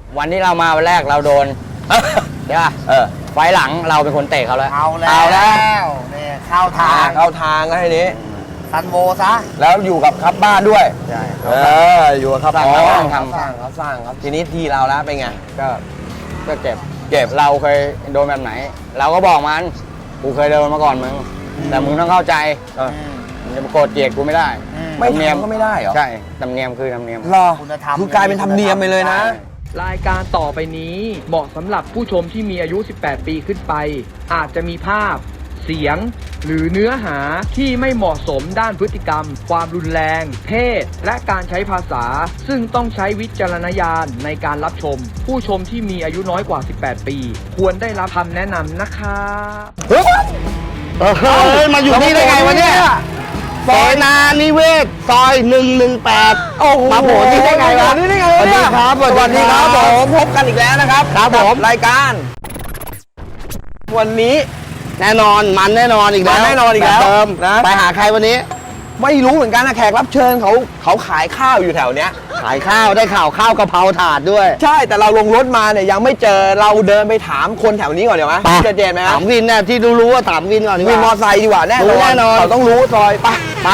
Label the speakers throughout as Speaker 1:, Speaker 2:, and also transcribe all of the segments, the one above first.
Speaker 1: วันที่เรามาวันแรกเราโดนใช่ป่ะไฟหลังเราเป็นคนเตะเขาแล้ว
Speaker 2: เอาแล้วเนี่ยเข้าทาง
Speaker 3: แล้วทีนี้
Speaker 2: ซันโวซะ
Speaker 3: แล้วอยู่กับครับบ้านด้วย
Speaker 2: ใช่
Speaker 3: อยู่กับครับ
Speaker 1: เขาสร้าง
Speaker 3: ครับทีนี้ทีเราแล้วเป็นไง
Speaker 1: ก็เก็บเราเคยโดนแบบไหนเราก็บอกมันกูเคยโดนมาก่อนมึงแต่มึงต้องเข้าใจมึงจะมาโกรธเกลียดกูไม่ได้
Speaker 3: ไม่ทำก็ไม่ได้เหรอ
Speaker 1: ใช่ธรรมเนียมคือธรรมเนียม
Speaker 3: รอคือกลายเป็นธรรมเนียมไปเลยนะ
Speaker 4: รายการต่อไปนี้เหมาะสำหรับผู้ชมที่มีอายุ 18 ปีขึ้นไปอาจจะมีภาพเสียงหรือเนื้อหาที่ไม่เหมาะสมด้านพฤติกรรมความรุนแรงเพศและการใช้ภาษาซึ่งต้องใช้วิจารณญาณในการรับชมผู้ชมที่มีอายุน้อยกว่า 18 ปีควรได้รับคำแนะนำนะครับ
Speaker 2: มาอยู่นี่ได้ไงวะเนี่ยเสนานิเวศซอย118มาโผล่ที่ได้ไงวะ
Speaker 3: สวัสดีครับผมพบกันอีกแล้วนะครับผมรายการวันนี้
Speaker 2: แน่นอนมันแน่นอนอีกแล้ว
Speaker 3: นะ
Speaker 2: ไปหาใครวันนี้
Speaker 3: ไม่รู้เหมือนกันนะแขกรับเชิญเขาขายข้าวอยู่แถวเนี้ย
Speaker 2: ขายข้าวได้ข่าวข้าวกะเพราถาดด้วย
Speaker 3: ใช่แต่เราลงรถมาเนี่ยยังไม่เจอเราเดินไปถามคนแถวนี้ก่อนเดี๋ยวไหมเจอไหม
Speaker 2: ถามวินเนี่ยที่รู้ว่าถามวินก่อนดีกว่า
Speaker 3: วินมอไซค์ดีกว่าแน่นอนเขาต้องรู้ซอยไป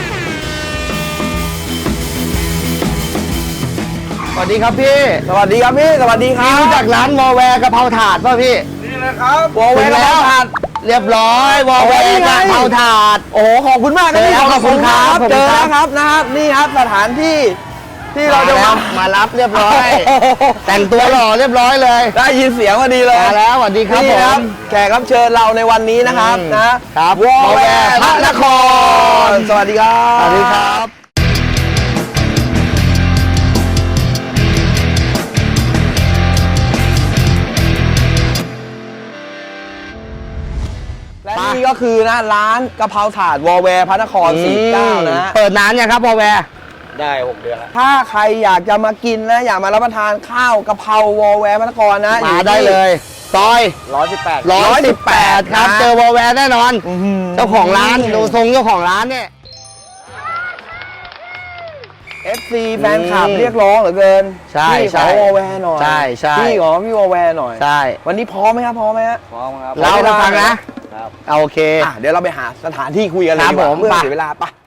Speaker 2: สวัสดีครับพี่
Speaker 3: สวัสดีครับ
Speaker 2: รู้จักร้านวอแวร์กะเพราถาดป่ะพี่
Speaker 3: นี่เลยครับวอแวร์กะเพราถาด
Speaker 2: เรียบร้อยวอแวร์กะเพราถาด
Speaker 3: โอ้ขอบคุณมากครับพี่
Speaker 2: ขอบคุณครับ
Speaker 3: เจอแล้วครับนะครับนี่ครับสถานที่ที่เราจะ
Speaker 2: มารับเรียบร้อยแต่งตัวหล่อเรียบร้อยเลย
Speaker 3: ได้ยินเสียงพอดีเลย
Speaker 2: มาแล้วสวัสดีครับผม
Speaker 3: แขกรับเชิญเราในวันนี้นะครับนะครับวอแวร์พระนครสวัสดีครับ
Speaker 2: สวัสดีครับ
Speaker 3: และนี่ก็คือนะร้านกะเพราถาดวอแวร์พระนคร49นะ
Speaker 2: เปิดนานยังครับวอแวร์
Speaker 1: ได้6 เดือนแล้ว
Speaker 3: ถ้าใครอยากจะมากินนะอยากมารับประทานข้าวกะเพราวอแวร์พระนครนะ
Speaker 2: มาได้เลยซอย
Speaker 3: 118
Speaker 2: ครับเจอวอแวร์แน่นอนเจ้าของร้านดูทรงเจ้าของร้านเนี่ย
Speaker 3: FC แฟนคลับเรียกร้องเหลือเกินพี่ขอวอแวร์หน่อย
Speaker 2: ใช่
Speaker 3: พี่ขอพี่วอแวร์หน่อย
Speaker 2: ใช่
Speaker 3: วันนี้พร้อมไหมครับพร้อมไหมฮะ
Speaker 1: พร้อมครับ
Speaker 2: เราไปฟังนะโอเค
Speaker 3: เดี๋ยวเราไปหาสถานที่คุยกันเลยเพื่อเสียเวลาปะ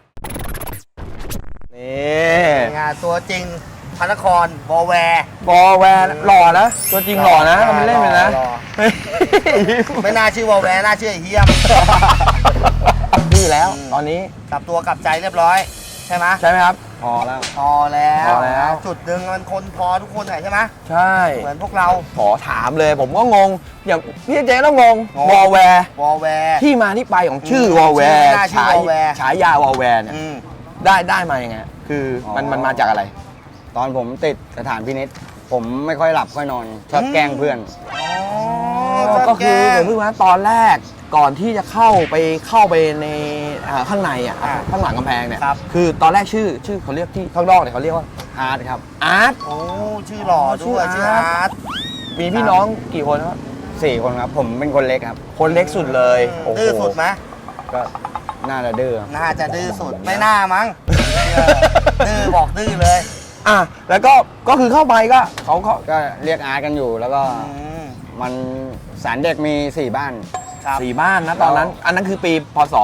Speaker 3: นี่
Speaker 2: งานตัวจริงพระนครวอแวร์
Speaker 3: หล่อนะตัวจริงหล่อนะทำเป็นเล่นไปนะ
Speaker 2: ไม่น่าชื่อวอแวร์น่าชื่อไอ้เฮียม
Speaker 3: นี่แล้วตอนนี้
Speaker 2: กลับตัวกลับใจเรียบร้อยใช่ไหม
Speaker 3: ครับ
Speaker 2: พอแล้วจุดหนึ่งมันคนพอทุกคนใช่ไหม
Speaker 3: ใช่
Speaker 2: เหมือนพวกเรา
Speaker 3: ขอถามเลยผมก็งงอย่างพี่เจ๊ต้องงงวอแวร์ที่มาที่ไปของชื่อวอแวร์ฉายาวอแวร์เนี่ยได้มายังไงคือมันมาจากอะไร
Speaker 1: ตอนผมติดสถานพินิจผมไม่ค่อยหลับค่อยนอนชอบแกล้งเพื่อน
Speaker 3: ก็คือเหมือนเพื่อนตอนแรกก่อนที่จะเข้าไปในข้างในข้างหลังกำแพงเนี่ยคือตอนแรกชื่อเขาเรียกที่ข้างนอกเนี่ยเขาเรียกว่า
Speaker 1: อาร์ตครับ
Speaker 3: อาร์ต
Speaker 2: โอ้ชื่อหล่อด้วยชื่ออาร์ต
Speaker 3: มีพี่น้องกี่คนครับ
Speaker 1: 4 คนครับผมเป็นคนเล็กครับ
Speaker 3: คนเล็กสุดเลย
Speaker 2: ดื้อสุดไหม
Speaker 1: ก็น่าจะดื้อ
Speaker 2: สุดไม่น่ามั้งดื้อบอกดื้อเลย
Speaker 3: แล้วก็คือเข้าไปก็เขา
Speaker 1: ก็เรียกอาร์ตกันอยู่แล้วก็มันศาลเด็กมี4 บ้าน
Speaker 3: 4 บ้านนะตอนนั้นอันนั้นคือปีพศ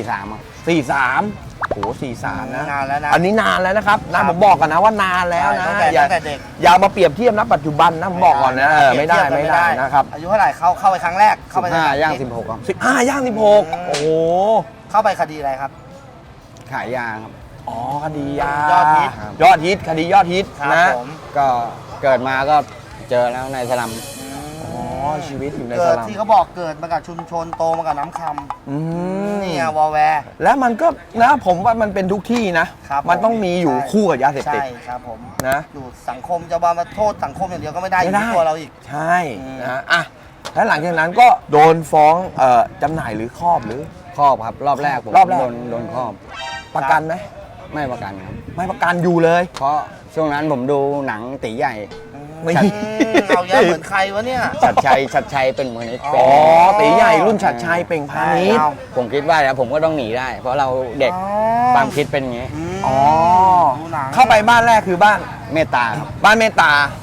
Speaker 1: 43
Speaker 3: โอ้โห43นะ
Speaker 2: นานแล้วนะ
Speaker 3: อันนี้นานแล้วนะครับนะผมบอกกันนะว่านานแล้วนะอย่ามาเปรียบเทียบนะปัจจุบันนะผมบอกก่อนนะไม่ได้นะครับ
Speaker 2: อายุเท่าไหร่เข้าไปครั้งแรกเข้าไป
Speaker 1: 15 ย่าง 16ครับ
Speaker 3: 15 ย่าง 16โอ้โห
Speaker 2: เข้าไปคดีอะไรครับ
Speaker 1: ขายยาครับ
Speaker 3: คดียาย
Speaker 2: อด
Speaker 3: ฮิตคดียอดฮิตนะ
Speaker 1: ก็เกิดมาก็เจอแล้วในสลัม
Speaker 3: ชีวิตอยู่ใน
Speaker 2: สลัมที่เขาบอกเกิดมากับชุมชนโตมากับน้ำคำนี่วอแวร์
Speaker 3: แล้วมันก็นะผมว่ามันเป็นทุกที่นะมันต้องมีอยู่คู่กับยาเสพติด
Speaker 2: ใช่ครับผม
Speaker 3: นะ
Speaker 2: อยู่สังคมจะมาโทษสังคมอย่างเดียวก็ไม่ได้อยู่ที่ตัวเราอีก
Speaker 3: ใช่นะแล้วหลังจากนั้นก็โดนฟ้องจำหน่ายหรือครอบ
Speaker 1: ครับรอบแรกผมโดนครอบ
Speaker 3: ประกันไหม
Speaker 1: ไม่ประกันครับ
Speaker 3: ไม่ประกันอยู่เลย
Speaker 1: เพราะช่วงนั้นผมดูหนังตีใหญ่
Speaker 2: เอาเยอะเหมือนใครวะเนี่ย
Speaker 1: ชัดชัยเป็นมือนิด
Speaker 3: ตีใหญ่รุ่นชัดชัยเป่งพาณิชย์
Speaker 1: ผมคิดว่าแล้วผมก็ต้องหนีได้เพราะเราเด็กความคิดเป็นอย่างนี้
Speaker 3: เข้าไปบ้านแรกคือบ้าน
Speaker 1: เมตตาครับ
Speaker 3: บ้านเมตตา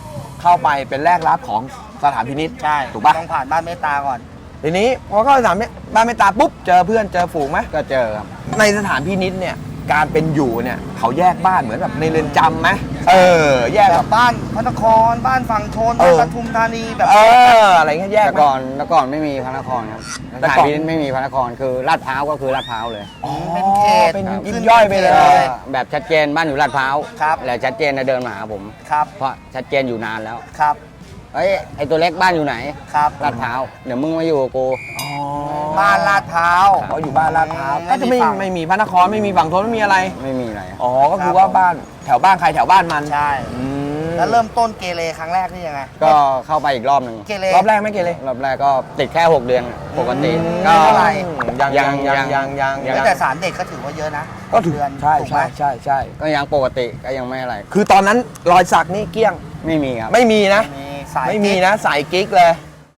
Speaker 3: เข้าไปเป็นแรกรับของสถานพินิจ
Speaker 2: ใช่
Speaker 3: ถูกปะ
Speaker 2: ต้องผ่านบ้านเมตตาก่อน
Speaker 3: ทีนี้พอเข้าสถานบ้านเมตตาปุ๊บเจอเพื่อนเจอฝูงไหม
Speaker 1: ก็เจอครับ
Speaker 3: ในสถานพินิจเนี่ยการเป็นอยู่เนี่ยเขาแยกบ้านเหมือนแบบในเรือนจำไหมแยก
Speaker 2: แบ
Speaker 3: แบบ
Speaker 2: บบ้านพระนครบ้านฝั่งทน
Speaker 3: เอ
Speaker 2: บ้าน
Speaker 3: อ
Speaker 2: ปทุมธานีแบบ
Speaker 3: อะไรเงี้ยแยก
Speaker 1: แต่
Speaker 3: ไหม
Speaker 1: ก่อนไม่มีพระนครครับส
Speaker 3: แต่
Speaker 1: ถาน
Speaker 3: ก่อน
Speaker 1: พินิจไม่มีพระนครคือลาดพร้าวก็คือลาดพร้าวเลย
Speaker 3: อ๋อ
Speaker 2: เป็นเขต
Speaker 3: เป็น
Speaker 2: ครับ
Speaker 3: ยิบย่อยไปเล
Speaker 1: ก็
Speaker 3: ย
Speaker 1: แบบชัดเจนบ้านอยู่ลาดพร้าว
Speaker 2: ครับ
Speaker 1: และชัดเจนนะเดินมาหาผม
Speaker 2: ครับ
Speaker 1: เพราะชัดเจนอยู่นานแล้ว
Speaker 2: ครับ
Speaker 1: เฮ้ยไอตัวเล็กบ้านอยู่ไหน
Speaker 2: ครับ
Speaker 1: ลาดพร้าวเดี๋ยวมึงมาอยู่กับกู
Speaker 3: อ๋อ
Speaker 2: บ้านลาดพร้าว
Speaker 3: เขาอยู่บ้านลาดพร้าว
Speaker 2: ไม่
Speaker 3: ก็จะไม่
Speaker 2: มีฝั่ง
Speaker 3: ไม่มีพระนครไม่มีฝั่งทนไม่มีอะไร
Speaker 1: ไม่มีอะไร
Speaker 3: อ๋อก็คือว่าบ้านแถวบ้านใครแถวบ้านมัน
Speaker 2: ใช่
Speaker 3: อืม
Speaker 2: แล้วเริ่มต้นเกเรครั้งแรกนี่ยังไง
Speaker 1: ก็เข้าไปอีกรอบหนึ่ง
Speaker 2: เกเร
Speaker 3: รอบแรกไม่เกเร
Speaker 1: รอบแรกก็ติดแค่ 6 เดือนปกติ
Speaker 2: ก็
Speaker 1: ก็
Speaker 2: เท่าไหร่
Speaker 3: ยัง
Speaker 2: เฮ้ยแต่สารเด็กก็ถือว่าเยอะนะ
Speaker 3: ก็ถือ
Speaker 2: เดือน
Speaker 3: ใช่
Speaker 2: ถูกไหม
Speaker 3: ใช่
Speaker 1: ก็ยังปกติก็ยังไม่อะไร
Speaker 3: คือตอนนั้นรอยสักนี่เกลี้ยง
Speaker 1: ไม่มีครับ
Speaker 3: ไม่มีนะ
Speaker 2: มีสาย
Speaker 3: ไม่มีนะสายกิ๊กเลย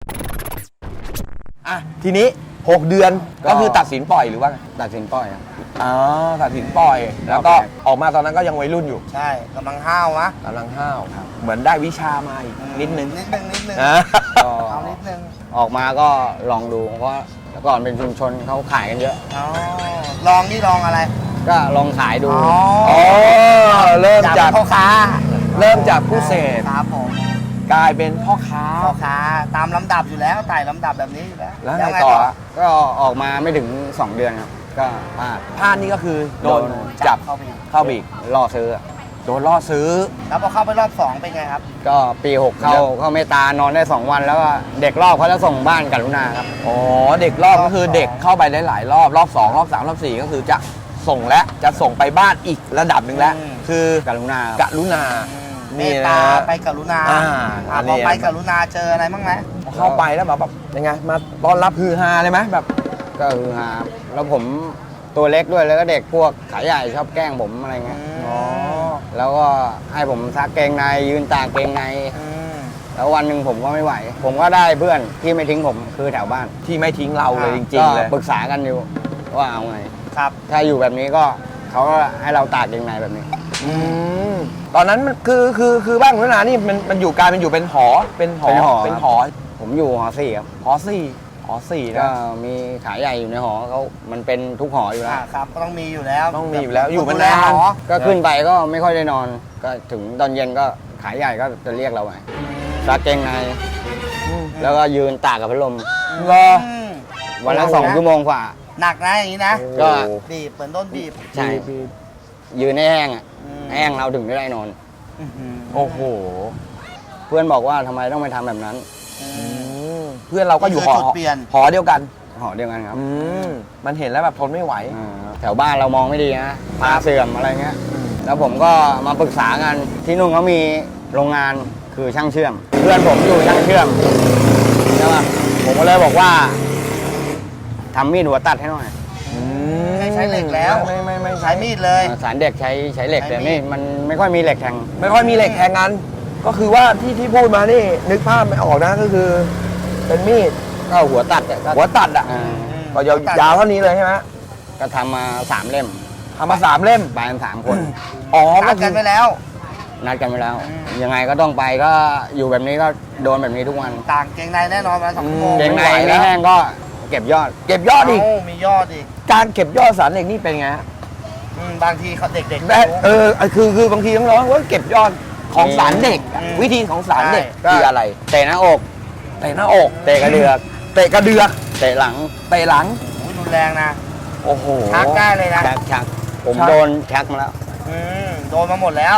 Speaker 3: อ่ะทีนี้ 6 เดือนก็คือตัดสินปล่อยหรือว่าไง
Speaker 1: ตัดสินปล่อยครับ
Speaker 3: อ๋อตัดสินปล่อย แล้วก็ออกมาตอนนั้นก็ยังวัยรุ่นอยู่
Speaker 2: ใช่กำลังห้าวนะ
Speaker 3: กำลังห้าวเหมือนได้วิชามาอีกนิดนึง
Speaker 2: นิดนึงนิดนึง
Speaker 3: นะ
Speaker 1: ก็
Speaker 2: เอานิดนึง
Speaker 1: ออกมาก็ลองดูเพราะแต่ก่อนเป็นชุมชนเขาขายกันเยอะ
Speaker 2: อ๋อลองนี่ลองอะไร
Speaker 1: ก็ลองขายดู
Speaker 3: อ๋อเริ่มจาก
Speaker 2: พ่อค้า
Speaker 3: เริ่มจากผู้เสพ
Speaker 2: ครับผม
Speaker 3: กลายเป็นพ่อค้า
Speaker 2: พ่อค้าตามลำดับอยู่แล้วไต่ลำดับแบบนี้อยู่แล้ว
Speaker 3: แล้วไง
Speaker 2: ยัง
Speaker 3: ต่อ
Speaker 1: ก็ออกมาไม่ถึง 2 เดือนครับ ก็พลาด
Speaker 3: พลาดนี่ก็คือโดน
Speaker 1: โดน
Speaker 3: จับ
Speaker 2: เข้าไปอีก
Speaker 3: เข้าไปอีก
Speaker 1: ล่อซื้อ
Speaker 3: โดนล่อซื้อ
Speaker 2: แล้วพอเข้าไปรอบ2เป็นไงครับ
Speaker 1: ก็ปี 6 เข้าเมตตานอนได้ 2 วันแล้วก็เด็กรอบเขาจะส่งบ้านกรุณาครับ
Speaker 3: อ๋อเด็กรอบก็คือเด็กเข้าไปได้หลายรอบรอบ 2 รอบ 3 รอบ 4 ก็คือจะส่งและจะส่งไปบ้านอีกระดับหนึ่งแล้ว
Speaker 2: อืม
Speaker 3: คือก
Speaker 1: รุณา
Speaker 3: กรุณา
Speaker 2: เม
Speaker 3: นี่
Speaker 2: ต
Speaker 3: นะ
Speaker 2: ตาไปกรุณา
Speaker 3: อ่า
Speaker 2: พอไปกรุณาเจออะไรบ้างไหม
Speaker 3: เข้าไปแล้วแบบยังไงมาต้อนรับฮือฮาเลยไหมแบบ
Speaker 1: ก็คือหาแล้วผมตัวเล็กด้วยแล้วก็เด็กพวกขายใหญ่ชอบแกล้งผมอะไรเงี้ย
Speaker 3: อ๋อ
Speaker 1: แล้วก็ให้ผมซักเกงในยืนตากเกงใน
Speaker 2: ม
Speaker 1: แล้ววันหนึ่งผมก็ไม่ไหว ผมก็ได้เพื่อนที่ไม่ทิ้งผมคือแถวบ้าน
Speaker 3: ที่ไม่ทิ้งเราเลยจริ
Speaker 1: ก็
Speaker 3: งๆเลย
Speaker 1: ปรึกษากันอยู่ว่าเอาไง
Speaker 2: ครับ
Speaker 1: ถ้าอยู่แบบนี้ก็เขาก็ให้เราตากเกงในแบบนี้
Speaker 3: อืมตอนนั้นมันคือบ้านคุณนานี่มันอยู่กลายเป็นอยู่เป็นหอเป็นหอ
Speaker 1: เป็นหอ ผมอยู่หอ4ครับ
Speaker 3: หอสี่หอสี่
Speaker 1: ก็
Speaker 3: นะ
Speaker 1: มีขายใหญ่อยู่ในหอเขามันเป็นทุกหออยู่แล้ว
Speaker 2: ครับก็ต้องมีอยู่แล้ว
Speaker 3: ต้องมีอยู่แล้วอยู่
Speaker 2: ค
Speaker 3: มาน
Speaker 2: ดูแล
Speaker 3: นาน
Speaker 2: หอ
Speaker 1: ก็ขึ้นไปก็ไม่ค่อยได้นอน ก็ถึงตอนเย็นก็ขายใหญ่ก็จะเรียกเราไปซักเกงใน แล้วก็ยืนตากกับพัดลม
Speaker 3: รอ
Speaker 2: ม
Speaker 1: วันละ2 ชั่วโมงกว่า
Speaker 2: หนักนะอย่างนี้นะ
Speaker 1: ก็
Speaker 2: บีบเหมือนโดนบีบ
Speaker 1: ใช่ ยืนให้แห้งอ่ะ
Speaker 2: อืม
Speaker 1: แห้งเราถึงจะได้นอน
Speaker 2: อื้อหือ
Speaker 3: โอ้โห
Speaker 1: เพื่อนบอกว่าทำไมต้องไปทำแบบนั้น
Speaker 3: เพื่อนเราก็อยู่หอ
Speaker 2: นี่คือจุดเปลี่ยน
Speaker 3: หอเดียวกัน
Speaker 1: หอเดียวกันครับ
Speaker 3: มันเห็นแล้วแบบทนไม่ไหว
Speaker 1: แถวบ้านเรามองไม่ดีนะตาเสื่อมอะไรเงี้ย แล้วผมก็มาปรึกษากันที่นู่นเขามีโรงงานคือช่างเชื่อม เพื่อนผมอยู่ช่างเชื่อมใช่ป่ะผมก็เลยบอกว่าทำมีดหัวตัดให้หน่อย
Speaker 2: ไม่ใช้เหล็กแล้ว
Speaker 3: ไม่
Speaker 2: ใช้มีดเลย
Speaker 1: สารเด็กใช้เหล็ก
Speaker 2: ใช้
Speaker 1: แต่
Speaker 2: มี
Speaker 1: นี่
Speaker 2: ด
Speaker 1: มันไม่ค่อยมีเหล็กแทง
Speaker 3: ไม่ค่อยมีเหล็กแทงกัน ก็คือว่าที่พูดมานี่นึกภาพไม่ออกนะก็คือ เป็นมีด
Speaker 1: ก็หัวตัดอะก็
Speaker 3: หัวตัดอ่ะ
Speaker 1: อ่า
Speaker 3: ก็ยาวเท่านี้เลยใช่ไหม
Speaker 1: ก็ทำมา3 เล่ม
Speaker 3: ทำมา3 เล่ม
Speaker 1: ไปกัน3 คน
Speaker 3: อ๋อ
Speaker 2: นั
Speaker 3: ก็
Speaker 2: ด
Speaker 3: คื
Speaker 2: กั
Speaker 3: อน
Speaker 2: ไปแล้ว
Speaker 1: นัดกันไปแล้ว
Speaker 2: อืม
Speaker 1: ยังไงก็ต้องไปก็อยู่แบบนี้ก็โดนแบบนี้ทุกวัน
Speaker 2: ต่างเกงในแน่นอนมา2 ชั่วโมง
Speaker 1: เกงใน
Speaker 3: ไม่ไหวแล้
Speaker 1: ไม่
Speaker 3: ว
Speaker 1: แห้งก็เก็บยอด
Speaker 3: เก็บยอดอีก
Speaker 2: มียอดอีก
Speaker 3: การเก็บยอดสารเหล็กนี่เป็นไงฮะ
Speaker 2: บางทีเขาเด็กๆ
Speaker 3: ได้คือบางทีน้องๆว่าเก็บยอดของสารเด็กอะ
Speaker 2: อืม
Speaker 3: วิธีของสารเด็ก
Speaker 1: ใช่
Speaker 3: คืออะไร
Speaker 1: เตะหน้าอก
Speaker 3: เตะหน้าอก
Speaker 1: เตะกระเดือก
Speaker 3: เตะกระเดือก
Speaker 1: เตะหลัง
Speaker 3: เตะหลัง
Speaker 2: โอ้ยรุนแรงนะ
Speaker 3: โอ้โห
Speaker 2: ชักได้เลยนะ
Speaker 1: ชักผม
Speaker 3: ชัก
Speaker 1: โดนชักมาแล้ว
Speaker 2: โดนมาหมดแล้ว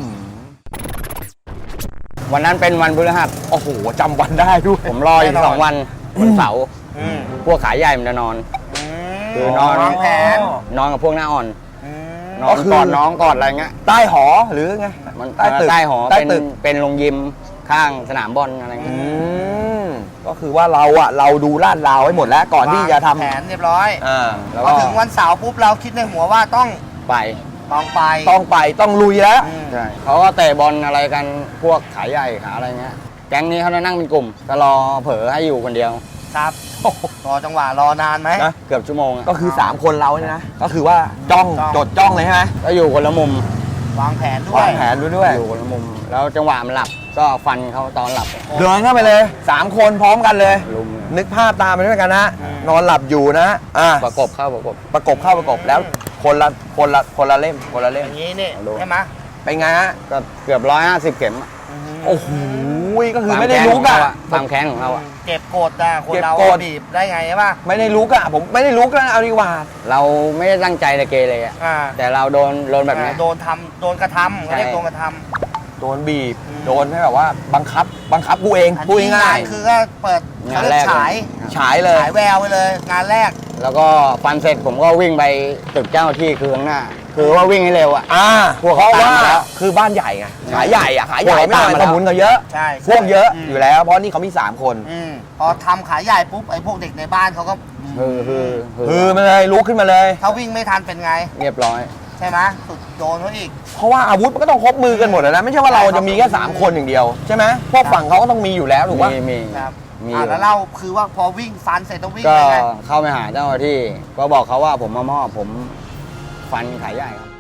Speaker 1: วันนั้นเป็นวันพฤหัส
Speaker 3: โอ้โหจำวันได้ด้วย
Speaker 1: ผมรออยู่
Speaker 2: แน่นอน
Speaker 1: 2 วันวันเสาร์
Speaker 2: อืม
Speaker 1: พวกขายใหญ่มันจะนอน คือนอน
Speaker 2: วางแผน
Speaker 1: นอนกับพวกหน้าอ่อน
Speaker 2: อืม
Speaker 1: นอนกอดน้องกอดอะไรเงี้ย
Speaker 3: ใต้หอหรือไง
Speaker 1: มัน
Speaker 3: ใต้ตึก
Speaker 1: ใต้หอ
Speaker 3: ใต้
Speaker 1: เป็น
Speaker 3: ตึก
Speaker 1: เป็นโรงยิมข้างสนามบอลอะไร
Speaker 3: อื
Speaker 1: เงี้ย
Speaker 3: มก็คือว่าเราดูลาดราวไว้หมดแล้วก่อนที่จะทำ
Speaker 2: แผนเรียบร้อย
Speaker 1: แล้ว
Speaker 2: พ
Speaker 1: ก็
Speaker 2: อถึงวันเสาร์ปุ๊บเราคิดในหัวว่าต้อง
Speaker 1: ไป
Speaker 2: ต้องไป
Speaker 3: ต้องลุยแล้ว
Speaker 2: อืม
Speaker 1: ใช่เขาก็เตะบอลอะไรกันพวกขายใหญ่ขาอะไรเงี้ยแก๊งนี้เขาจะนั่งเป็นกลุ่มก็รอเผลอให้อยู่คนเดียว
Speaker 2: ครับรอจังหวะรอนานไหม
Speaker 3: นะ
Speaker 1: เกือบชั่วโมงอะ
Speaker 3: ก็คือ 3 คนเราเนี่ยนะ ก็คือว่าจ้อง
Speaker 2: จ้อง
Speaker 3: จดจ้องเลยใช่ไหม
Speaker 1: ก็อยู่คนละมุม
Speaker 2: วางแผนด้ว
Speaker 3: วาย งแผนด้วย
Speaker 1: อยู่คนละมุม แล้วจังหวะมันหลับก็ฟันเขาตอนหลับ
Speaker 3: เดินเข้าไปเลย 3 คนพร้อมกันเลย
Speaker 1: ลุม
Speaker 3: นึกภาพตามไปด้วยกันนะ นอนหลับอยู่นะ
Speaker 1: ประกบเข้าประกบ
Speaker 3: ประกบแล้วคนละเล่ม
Speaker 2: อย่างนี้นี่ใช่ไหม
Speaker 3: เป็นไงฮะ
Speaker 1: ก็เกือบ150 เข็มอะ
Speaker 3: โอ้โหก็คือไม่ได้ลุกอะ
Speaker 1: ความแข็งของเราอะ
Speaker 2: เก็บกดอ่ะคนเรา
Speaker 3: เก็บกด
Speaker 2: บีบได้ไงใช่ป่ะ
Speaker 3: ไม่ได้ลุกอะผมไม่ได้ลุกแล้วเอาดีกว่า
Speaker 1: เราไม่ได้ตั้งใจจะเกเรอะ
Speaker 2: อ่า
Speaker 1: แต่เราโดนแบบนี้
Speaker 2: โดนกระทำเขาเรียกโดนกระท
Speaker 3: โดนบีบ โดนให้แบบว่าบังคับกูเอง
Speaker 2: ำ
Speaker 3: พูดง่าย
Speaker 2: คือก็เปิด
Speaker 1: งานแรก
Speaker 2: ฉาย
Speaker 3: ๆฉายเลย
Speaker 2: ฉายแววไปเลย งานแรก
Speaker 1: แล้วก็ฟันเสร็จผมก็วิ่งไปตึกเจ้าหน้าที่คือข้างหน้า คือว่าวิ่งให้เร็วอะ พวก
Speaker 3: เพราะ
Speaker 1: เขาตาม
Speaker 3: ว่า
Speaker 1: มาแล้ว
Speaker 3: คือบ้านใหญ่ไงขายใหญ่อะขายใหญ่
Speaker 1: พวก
Speaker 3: ไม่
Speaker 1: เขา
Speaker 3: เอา
Speaker 1: ตามมาแล้ว
Speaker 3: สมุนเขาเยอะ
Speaker 2: ใช่
Speaker 3: พวกเยอะอยู่แล้ว เพราะนี่เขามี 3 คน
Speaker 2: พอทำขายใหญ่ปุ๊บไอ้พวกเด็กในบ้านเขาก็
Speaker 3: คือมาเลยลุกขึ้นมาเลย
Speaker 2: ถ้าวิ่งไม่ทันเป็นไง
Speaker 1: เรียบร้อย
Speaker 2: ใช่ไหมสุดโดนเขาอีก
Speaker 3: เพราะว่าอาวุธมันก็ต้องครบมือกันหมดแล้วนะไม่ใช่ว่าเราจะมีแค่3 คนอย่างเดียวใช่ไหมพวกฝั่งเขาก็ต้องมีอยู่แล้วถูกป่ะ
Speaker 1: มี
Speaker 2: ครับ
Speaker 1: มี
Speaker 2: แล้วเราคือว่าพอวิ่งฟันเสร็จต้องวิ่ง
Speaker 1: ก็
Speaker 2: ยังไง
Speaker 1: เข้าไปหาเจ้าหน้าที่ ก็บอกเขาว่าผมมามอบผมฟันขายใหญ่ครับ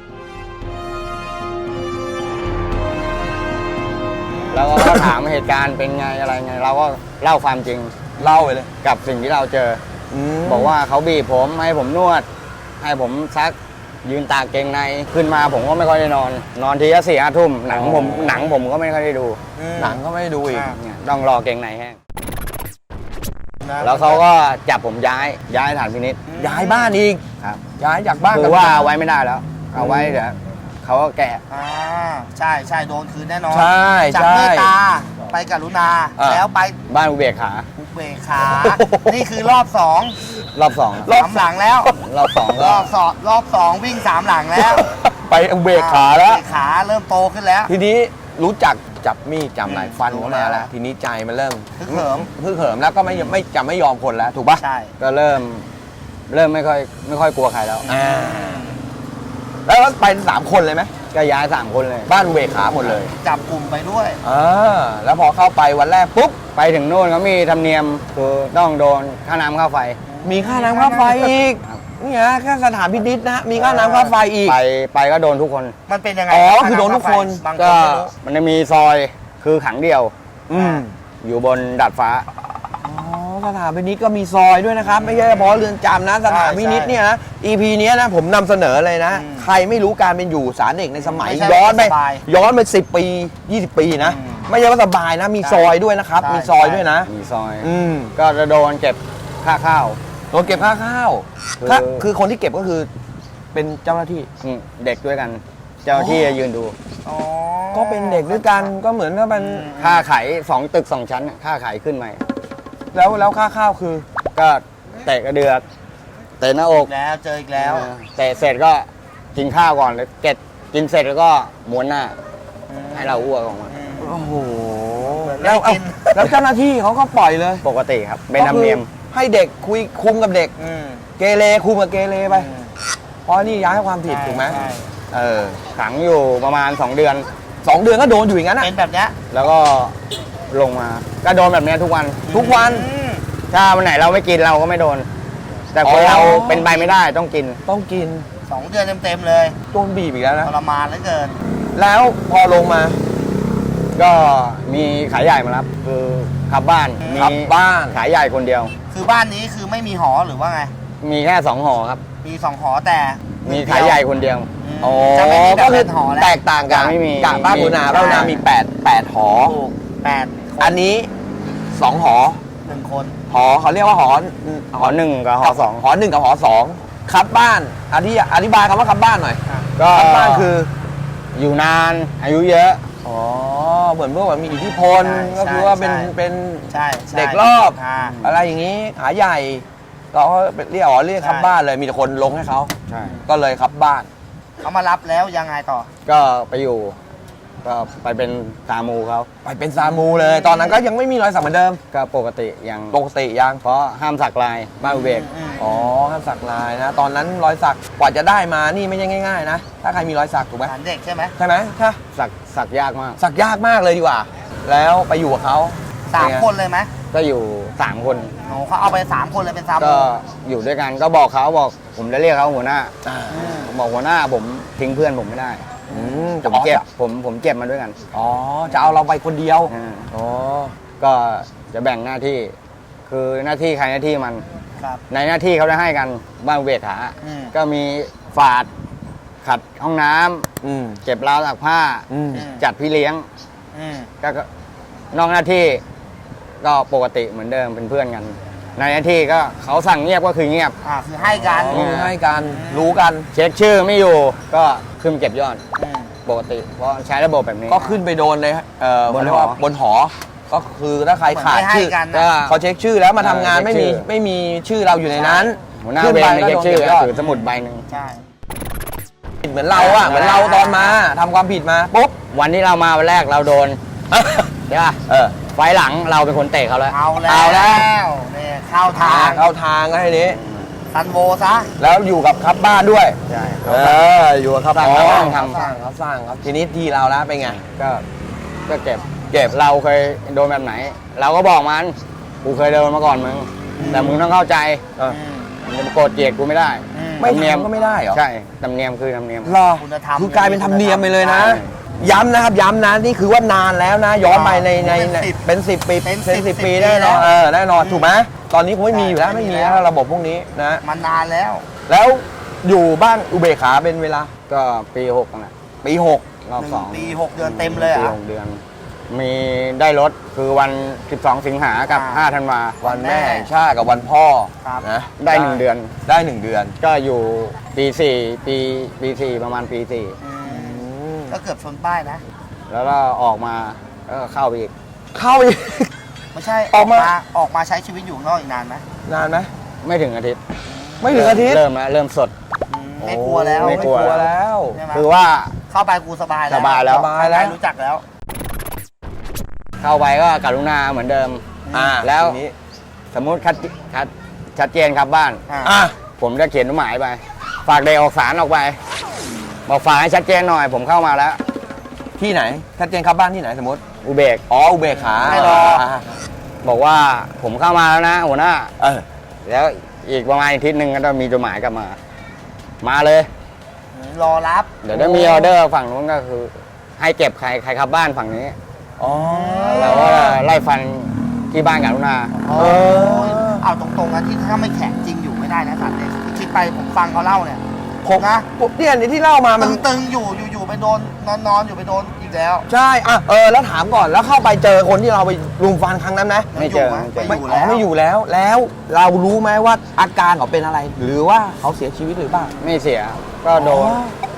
Speaker 1: แล้วก็ถามเหตุการณ์เป็นไงอะไรไง เราก็เล่าความจริง
Speaker 3: เล่าไปเลย
Speaker 1: กับสิ่งที่เราเจอ บอกว่าเขาบีบผมให้ผมนวด ให้ผมซักยืนตากเกงในขึ้นมาผมก็ไม่ค่อยได้นอนทีละ4-5 ทุ่มหนังผมก็ไม่ค่อยได้ดู
Speaker 3: หนังก็ไม่ได้ดูอีก
Speaker 1: เนี่ยต้องรอเกงในแห้ง
Speaker 2: นะ
Speaker 1: แล้วเขาก็จับผมย้ายฐานพินิษ
Speaker 3: ย้ายบ้านอีก
Speaker 1: ครับ
Speaker 3: ย้ายจากบ้าน
Speaker 1: คือว่าเอาไว้ไม่ได้แล้ว เอาไว้เดี๋ยวเขาก็แกะ
Speaker 2: ใช่โดนคืนแน่นอน
Speaker 3: ใช่
Speaker 2: จาก
Speaker 3: ใช่
Speaker 2: เมตตาไปกรุณา แล้วไป
Speaker 1: บ้านอุเบกขา
Speaker 2: อุเบกขา นี่คือรอบ2
Speaker 1: รอบสอง
Speaker 2: รอบหลังแล้ว
Speaker 1: รอบสอง
Speaker 2: ร
Speaker 1: ก็
Speaker 2: อบสองวิ่ง3หลังแล้ว
Speaker 3: ไปเบรกขาแล้ว
Speaker 2: เบรกขาเริ่มโตขึ้นแล้ว
Speaker 3: ทีนี้รู้จักจับมีดจำไหลฟันเข้ามาแล้ว ทีนี้ใจมันเริ่ม
Speaker 2: ฮึกเหิม
Speaker 3: ฮึกเหิมแล้วก็ไม่ยอมคนแล้วถูกป่ะ
Speaker 2: ใช่
Speaker 1: ก็เริ่มไม่ค่อยกลัวใครแล้ว
Speaker 3: แล้วไป3 คนเลยไหม
Speaker 1: ก็ย้าย3 คนเลย
Speaker 3: บ้านเบรกขาหมดเลย
Speaker 2: จับกลุ่มไปด้วย
Speaker 3: แล้วพอเข้าไปวันแรกปุ๊บ
Speaker 1: ไปถึงโน่นเขามีธรรมเนียมคือต้องโดนค่าน้ำค่าไฟ
Speaker 3: มีค่าน้ำค่าไฟอีก
Speaker 1: ครับ
Speaker 3: นี่ฮะแค่สถานพินิจนะมีค่าน้ำค่าไฟอีก
Speaker 1: ไปก็โดนทุกคน
Speaker 2: มันเป็นยังไง
Speaker 3: อ๋อ
Speaker 2: รับ
Speaker 3: คือโดนทุกคน
Speaker 2: บางค
Speaker 1: ก็
Speaker 2: นไม่รู้
Speaker 1: มันจะมีซอยคือขังเดียว
Speaker 3: อืม
Speaker 1: อยู่บนดาดฟ้า
Speaker 3: สถานพินิจก็มีซอยด้วยนะครับ ไม่ใช่เฉพาะเรือนจำนะสถานพินิจเนี่ยนะ EP เนี้ยนะผมนำเสนอเลยนะ ใครไม่รู้การเป็นอยู่ศาลเด็กในสมัย
Speaker 2: ไม่ใช่
Speaker 3: ย้อนไป
Speaker 2: สบาย
Speaker 3: 10 ปี 20 ปีนะ
Speaker 2: อืม
Speaker 3: ไม่ใช่ว่าสบายนะ มี
Speaker 2: ใช่
Speaker 3: ซอยด้วยนะครับ
Speaker 2: ใช่
Speaker 3: มีซอยด้วยนะ
Speaker 1: มีซอย
Speaker 3: อืม
Speaker 1: ก็จะโดนเก็บค่าข้าว
Speaker 3: โดนเก็บค่าข้าว
Speaker 1: คือ
Speaker 3: คือคนที่เก็บก็คือเป็นเจ้าหน้าที่
Speaker 1: เด็กด้วยกัน เจ้าหน้าที่จะยืนดู
Speaker 2: อ๋อ
Speaker 3: ก็เป็นเด็กด้วยกันก็เหมือนก็เป็น
Speaker 1: ค่าไข2 ตึก 2 ชั้นน่ะค่าไขขึ้นใหม่
Speaker 3: แล้วค่าข้าวคือ
Speaker 1: ก็เตะกระเดือกเตะหน้าอก
Speaker 2: แล้วเจออีกแล้ว
Speaker 1: เตะเสร็จก็กินข้าวก่อนเลยกินเสร็จแล้วก็ม้วนหน้า ให้เราอ้วกออกมา
Speaker 3: โอ้โห
Speaker 2: แล้
Speaker 3: แล้ว ว
Speaker 2: กิน
Speaker 3: แล้วเจ้าหน้าที่เขาก็ปล่อยเลย
Speaker 1: ปกติครับ เป็นธรรมเนียม
Speaker 3: ก็คือให้เด็กคุมกับเด็ก
Speaker 2: อืม
Speaker 3: เกเรคุมกับเกเรไปเพราะนี่ย้ายความผิดถูกไหม
Speaker 2: ใช่
Speaker 1: ขังอยู่ประมาณ 2 เดือน
Speaker 3: 2 เดือนก็โดนอยู่อย่างนั้น
Speaker 2: เป็นแบบเนี้ย
Speaker 1: แล้วก็ลงมาก็โดนแบบเนี้ยทุกวัน
Speaker 3: ทุกวัน
Speaker 2: อืม
Speaker 1: ถ้าวันไหนเราไม่กินเราก็ไม่โดน แต่คน
Speaker 3: อ๋อ
Speaker 1: เราเป็นไปไม่ได้ต้องกิน
Speaker 3: ต้องกิน
Speaker 2: 2 เดือนเต็มๆเลย
Speaker 3: โดนบีบอีกแล้วนะ
Speaker 2: ทรมานเหลือเกิน
Speaker 3: แล้วพอลงมา
Speaker 1: ก็มีขายใหญ่มารับคือขับบ้านมี
Speaker 3: ขับบ้าน
Speaker 1: ขายใหญ่คนเดียว
Speaker 2: คือบ้านนี้คือไม่มีหอหรือว่าไง
Speaker 1: มีแค่2 หอครับ
Speaker 2: มี2 หอแต่
Speaker 1: มีขายใหญ่คนเดียว
Speaker 2: อืมจะไม่มีแบบเป็นหอแล้ว
Speaker 3: แตกต่างกัน
Speaker 1: ไม่มี
Speaker 3: กะบ้านบุนาบ้านบุนามี8หอ
Speaker 2: ถูก8
Speaker 3: อันนี้ 2 หอ
Speaker 2: 1 คน
Speaker 3: หอเขาเรียกว่าหอ
Speaker 1: หอ 1 กับหอ 2
Speaker 3: หอ 1 กับหอ 2ครับบ้านอธิบายคำว่าครับบ้านหน่อย
Speaker 1: ก็
Speaker 3: ครับบ้านคือ
Speaker 1: อยู่นานอายุเยอะ
Speaker 3: อ๋อเหมือนพวกแบบมีอิทธิพล
Speaker 2: ใช่
Speaker 3: ก็คือว่าเป็น
Speaker 2: ใช่
Speaker 3: เป็น
Speaker 2: ใช่ใช่
Speaker 3: เด็กรอบ
Speaker 2: อ่า
Speaker 3: อะไรอย่างนี้ขาใหญ่ก็เรียกครับ
Speaker 2: ใช่
Speaker 3: บ้านเลยมีแต่คนลงให้เขา
Speaker 1: ใช่
Speaker 3: ก็เลยครับบ้าน
Speaker 2: เขามารับแล้วยังไงต่อ
Speaker 1: ก็ไปอยู่ ก็ไปเป็นตามูเขา
Speaker 3: ไปเป็นซามูเลย ตอนนั้นก็ยังไม่มีรอยสักเหมือนเดิม
Speaker 1: ก็ปกติยัง
Speaker 3: ปกติยัง
Speaker 1: เพราะห้ามสักลายบ้านอุเบก
Speaker 3: อ๋อห้ามสักลายนะ ตอนนั้นรอยสักกว่าจะได้มานี่ไม่ใช่ง่ายๆนะ ถ้าใครมีรอยสักถูกไหม
Speaker 2: ฐานเด็กใช่ไหม
Speaker 3: ใช่ไหมใช่
Speaker 1: สักยากมาก
Speaker 3: สักยากมากเลยดีกว่า แล้วไปอยู่กับเขา
Speaker 2: 3 คนเลยไหม
Speaker 1: ก็อยู่3 คน
Speaker 2: โอ้เขาเอาไป3 คนเลยเป็น3
Speaker 1: ก็อยู่ด้วยกันก็บอกเขาบอกผมจะเรียกเขาหัวหน้า
Speaker 3: อ่า
Speaker 1: บอกหัวหน้าผมทิ้งเพื่อนผมไม่ได้
Speaker 2: อ
Speaker 1: ผมเจ็บผมเจ็บมาด้วยกัน
Speaker 3: อ๋อจะเอาเราไปคนเดียว อ๋อ
Speaker 1: ก็จะแบ่งหน้าที่ คือหน้าที่ใครหน้าที่มัน
Speaker 2: ครับ
Speaker 1: ในหน้าที่เขาได้ให้กันบ้านอุเบกขา ก็มีฝาดขัดห้องน้ำเก็บราวตากผ้า จัดพี่เลี้ยง ก็นอกหน้าที่ก็ปกติเหมือนเดิมเป็นเพื่อนกัน ในหน้าที่ก็เขาสั่งเงียบก็คือเงียบ
Speaker 2: คือให้กัน
Speaker 3: ให้กันรู้กัน
Speaker 1: เช็คชื่อไม่อยู่ก็ขึ้นเก็บยอดปกติ เพราะใช้ระบบแบบนี้
Speaker 3: ก็ขึ้นไปโดนเลยบนหอบนหอ ก็คือถ้าใครขาดชื่อ
Speaker 2: ก็
Speaker 3: เขาเช็คชื่อแล้วมาทำงานไม่มีชื่อเราอยู่ในนั้น
Speaker 1: หัวหน้าเวรไม่เช็คชื่อก็ถือสมุดใบหนึ่ง
Speaker 2: ใช่
Speaker 3: เหมือนเราอะเหมือนเราตอนมาทำความผิดมาปุ๊บ
Speaker 1: วันที่เรามาวันแรกเราโดนใช่ป่ะไฟหลังเราเป็นคนเตะเขาแล้ว
Speaker 2: เอาแล้วเนี่ยเข้าทาง
Speaker 3: เข้าทางก็ให้นี้
Speaker 2: ซันโวซะ
Speaker 3: แล้วอยู่กับครับบ้านด้วย
Speaker 1: ใช่
Speaker 3: อยู่กับครับ
Speaker 1: สร้าง
Speaker 3: อ๋อ
Speaker 1: สร้างท
Speaker 3: เขาสร้างครับทีนี้ที่เราแล้วเป็นไง
Speaker 1: ก็เก็บเราเคยโดนแบบไหน เราก็บอกมันกูเคยโดนมาก่อนมึงแต่มึงต้องเข้าใจมึงจะมาโกรธเกลียดกูไม่ได้
Speaker 3: ไม่
Speaker 1: ธรรมเนียม
Speaker 3: ทำก็ไม่ได้เหรอ
Speaker 1: ใช่ธรรมเนียมคือธรรมเนียม
Speaker 3: รอ
Speaker 2: คุณธรรม
Speaker 3: คือกลายเป็นธรรมเนียมไปเลยนะ
Speaker 2: ใช่
Speaker 3: ย้ำนะครับย้ำนะนี่คือว่านานแล้วนะ ย้อนไปในเป็น10 ปี
Speaker 2: เป็น
Speaker 3: เป็น
Speaker 2: 10
Speaker 3: 10 ปี
Speaker 2: ปี
Speaker 3: แน่นอน
Speaker 2: แล้ว
Speaker 3: แน่นอนถูกไหมตอนนี้คงไม่มีอยู่แล้ว
Speaker 2: ใช่
Speaker 3: ไม่มี
Speaker 2: ไม่มีแล้
Speaker 3: แล้ว วระบบพวกนี้นะ
Speaker 2: มันนานแล้ว
Speaker 3: แล้วอยู่บ้านอุเบกขาเป็นเวลา
Speaker 1: ก็ปี6นั่นแหละ
Speaker 3: ปี
Speaker 1: รอบ
Speaker 2: 1 ปี 6 เดือนเต็มเลย
Speaker 1: ปี
Speaker 2: อ่ะ
Speaker 1: 6 เดือน มีได้รถคือวัน 12 สิงหากับ 5 ธันวา
Speaker 3: 6 วันแม่แห่งชาติกับวันพ่อ
Speaker 2: ครับ
Speaker 3: นะ
Speaker 1: ได้ 1 เดือน
Speaker 3: ได้1 เดือน
Speaker 1: ก็อยู่ปี 4 ปี 4 ประมาณปี
Speaker 2: ก็เกือบชนป้ายนะ
Speaker 1: 4 แล้วก็ออกมาก็เข้าไปอีก
Speaker 3: เข้าอีก
Speaker 2: ไม่ใช่
Speaker 3: ออกมา
Speaker 2: ออกมาใช้ชีวิตอยู่ข้างนอกอีกนานไหม
Speaker 3: นานไหม
Speaker 1: ไม่ถึงอาทิตย์
Speaker 3: ไม่ถึงอาทิตย์
Speaker 1: เริ่มสด
Speaker 2: ไม่กลัวแล้ว
Speaker 1: ไม่กลัว
Speaker 3: แล้ว
Speaker 2: ใช่ไหม
Speaker 1: คือว่า
Speaker 2: เข้าไปกูสบายแล้ว
Speaker 1: สบายแล้ว
Speaker 3: สบายแล้ว
Speaker 2: รู้จักแล้ว
Speaker 1: เข้าไปก็กรุณาเหมือนเดิม แล้ว
Speaker 3: ทีนี้
Speaker 1: สมมุติชัดเจนครับบ้าน
Speaker 3: อ่ะ
Speaker 1: ผมจะเขียนหมายไป ฝากเด็กออกสารออกไป บอกฝากให้ชัดเจนหน่อย ผมเข้ามาแล้ว
Speaker 3: ที่ไหนชัดเจนครับบ้านที่ไหนสมมติ
Speaker 1: อุเบก
Speaker 3: อ๋ออุเบกขา
Speaker 2: ไม่รอ
Speaker 1: บอกว่าผมเข้ามาแล้วนะหัวหน้า
Speaker 3: เออ
Speaker 1: แล้วอีกประมาณอาทิตย์หนึ่งก็ต้องมีจดหมายกลับมา มาเลย
Speaker 2: รอรับ
Speaker 1: เดี๋ยวถ้ามีออเดอร์ฝั่งนู้นก็คือ ให้เก็บใครครับบ้านฝั่งนี้
Speaker 3: อ๋อ
Speaker 1: เราก็ไล่ฟันที่บ้านกรุณา
Speaker 2: เอาตรงๆนะที่ถ้าไม่แข็งจริงอยู่ไม่ได้นะสัตว์เนี่ยคิดไปผมฟังเขาเล่าเนี่ย
Speaker 3: ผม
Speaker 2: นะ
Speaker 3: เนี่ยที่เล่ามามัน
Speaker 2: ตึงๆอยู่ไปโดนนอนอยู่ไปโดนอีกแล้ว
Speaker 3: ใช่อ่ะแล้วถามก่อนแล้วเข้าไปเจอคนที่เราไปรุมฟันครั้งนั้นไหม
Speaker 1: ไม่เจอ
Speaker 2: ไม่อยู่แล้ว
Speaker 3: ไม่อยู่แล้ว แล้วเรารู้ไหมว่าอาการเขาเป็นอะไร หรือว่าเขาเสียชีวิตหรือเปล่า
Speaker 1: ไม่เสีย ก็โดน